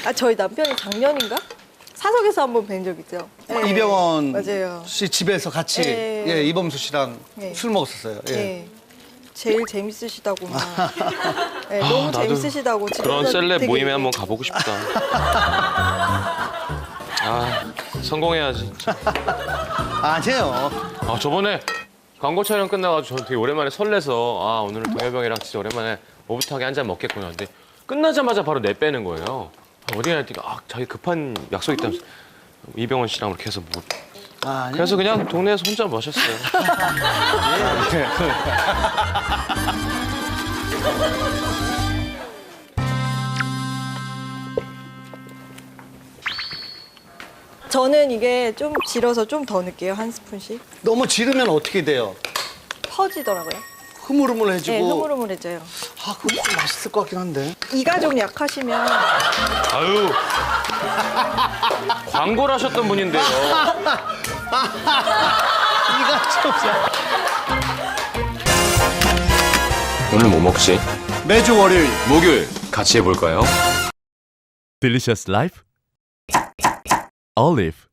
아, 저희 남편이 작년인가? 사석에서 한번 뵌 적 있죠. 네. 이병헌 맞아요. 씨 집에서 같이 네. 예, 이범수 씨랑 네. 술 먹었었어요. 예. 네. 제일 재밌으시다고 막. 네, 너무 나도 재밌으시다고. 그런 진짜 셀럽 되게 모임에 한번 가보고 싶다. 아, 성공해야지. 진짜. 아니에요. 아, 저번에 광고 촬영 끝나가지고 저는 되게 오랜만에 설레서 아, 오늘은 동엽형이랑 진짜 오랜만에 오붓하게 한 잔 먹겠구나. 근데 끝나자마자 바로 내 빼는 거예요. 어디 가냐 했더니 아, 자기 급한 약속 있다면서 이병헌 씨랑 이렇게 해서 뭐. 아니에요. 그래서 그냥 동네에서 혼자 마셨어요. 저는 이게 좀 질어서 좀 더 넣을게요. 한 스푼씩. 너무 지르면 어떻게 돼요? 퍼지더라고요. 흐물흐물해지고. 네, 흐물흐물해져요. 아, 그거 좀 맛있을 것 같긴 한데. 이가 좀 약하시면 아유. 광고를 하셨던 분인데요. 이가 좀. 오늘 뭐 먹지? 매주 월요일. 목요일 같이 해볼까요? Delicious Life Olive